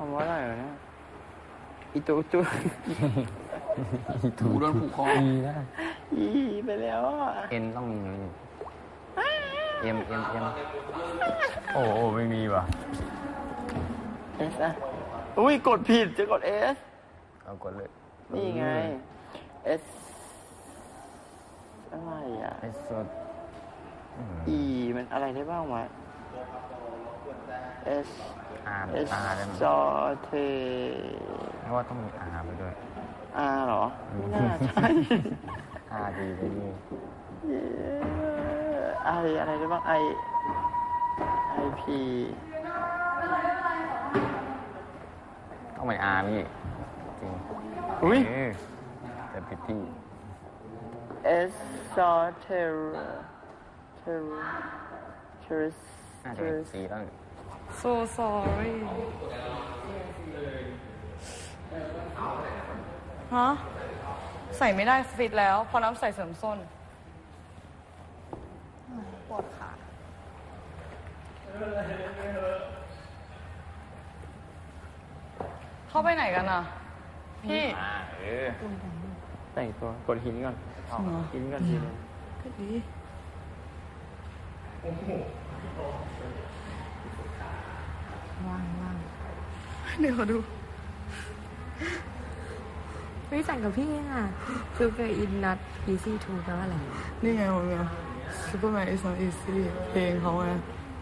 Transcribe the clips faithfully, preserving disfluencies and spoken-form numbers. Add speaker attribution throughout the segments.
Speaker 1: ำว่าอะไรวะเนี่ยอีตูตูถูโดนผูกคออีนะอีไปแล้วอ่ะเอ็นต้องมีเอ็มเอ็มเอ็มโอ้โอ้ไม่มีว่ะเอสอ่ะอุ้ยกดผิดจะกดเอสเอากดเลยนี่ไงเอสอะไรอ่ะเอสสดอีมันอะไรได้บ้างวะเอสอาร์เอสซอเทเพราะว่าต้องมีอาร์ไปด้วยอาร์เหรอไม่น่าใช่อาร์ดีเลยนี่ไออะไรได้บ้างไอไอพีต้องเป็นอาร์นี่จริงอุ้ยแต่ผิดที่เอสซอเทอเทอเทอร์น่าจะเป็นซีแล้ว
Speaker 2: so sorry ฮะใส่ไม่ได้ฟิตแล้วพอน้ำใส่เสริมส้นปวดขาเข้าไปไหนกันอ่ะพี่
Speaker 1: แต่งตัวกดหินก่อนหินก่อนทีนึง
Speaker 2: ก็ดีว่างว่างเดี๋ยวขอดู
Speaker 3: ไม่สั่งกับพี่อ่ะคือเกอินนัท easy to แปลว่าอะไร
Speaker 2: นี่ไงผมไง Superman is not easy เพลงเขาไง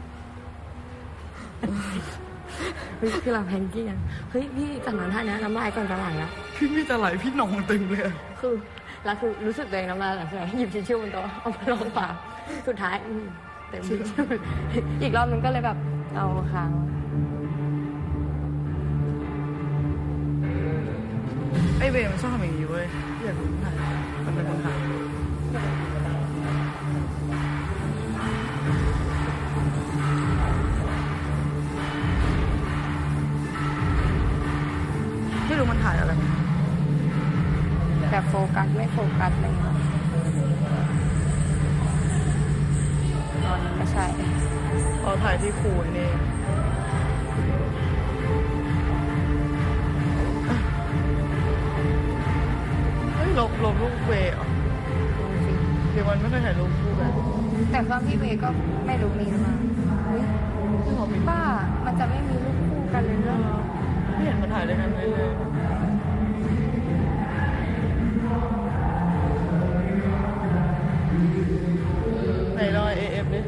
Speaker 3: เฮ้ยคือเราแพงกี้อ่ะเฮ้ยพี่จากนั้นท่านี้น้ำลายก่อนจะไหลแล้ว
Speaker 2: พี่ไม่จะไหลพี่นองตึงเลย
Speaker 3: คือแล้วคือรู้สึกตัวเองน้ำลายไหลใช่ไหมหยิบทิชชู่บนโต๊ะเอาไปลองปากสุดท้ายเต็มทิชชู่อีกรอบนึงก็เลยแบบเอาค้าง
Speaker 2: ไอเบย์มันชอบทำอย่างนี้เว้ยอยากรู้ถ่ายมันเป็นคนถ่ายไม่รู้มันถ่ายอะไร
Speaker 3: แบบโฟกัสไม่โฟกัสอะไรเงี้ยตอนนี้ก็ใช่
Speaker 2: เราถ่ายที่คูนนี่ลบลบรูปเวย์อ่ะเดี๋ยวมันไม่เคยถ่ายรูปคู่กัน
Speaker 3: แต่ว่าพี่เวย์ก็ไม่รู้มีหรือเปล่าบ้ามันจะไม่มีรูปคู่กันเลยเหรอ
Speaker 2: ไม่เห็นมันถ่ายด้วยกันเลยเลยไหนรอยเอฟดิ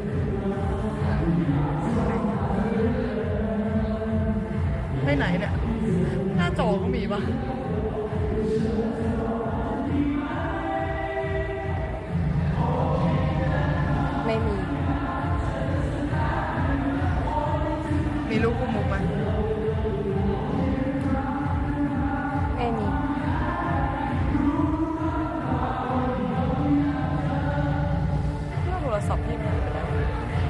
Speaker 2: ให้ไหนเนี่ยหน้าจอก็มีปะ
Speaker 3: ไม่มี
Speaker 2: มีลูกคู่มุกไหม
Speaker 3: ไม่มี
Speaker 2: เรื่องโทรศัพท์พี่มันเป็นอะไร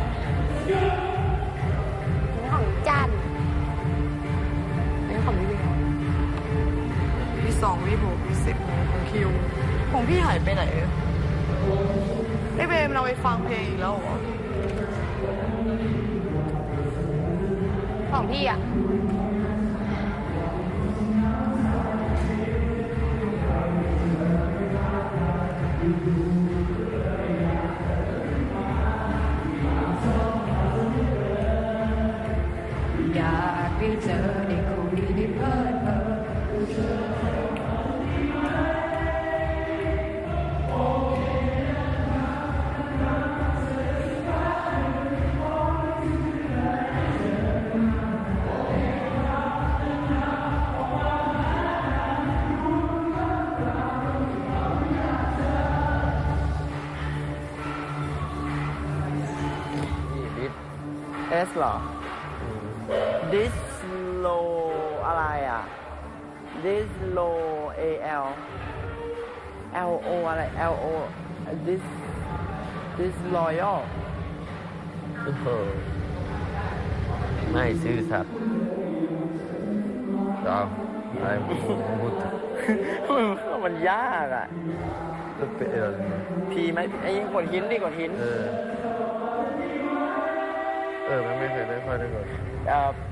Speaker 3: นี่ของจันนี่ของพี่เบล
Speaker 2: วีสองวีหกวีสิบของคิวของพี่หายไปไหนไอเบมเราไปฟังเพลงอีกแล้วเหรอ
Speaker 3: ของพี่อ่ะอยากได้เจอในคนที่ได้เพิ่มเติม
Speaker 1: เอสเหรอ this low อะไรอ่ะ this low al lo อะไร lo this this loyal
Speaker 4: ไม่ซื่อสัตย์เราอะไรพูด
Speaker 1: มันยากอ่ะ
Speaker 4: เป็นอะไร
Speaker 1: พีไหมไอ้กดหินดิกดหิน
Speaker 4: เออเออไม่ไม่เคยได้ค่อยได้กด
Speaker 1: เอ่อ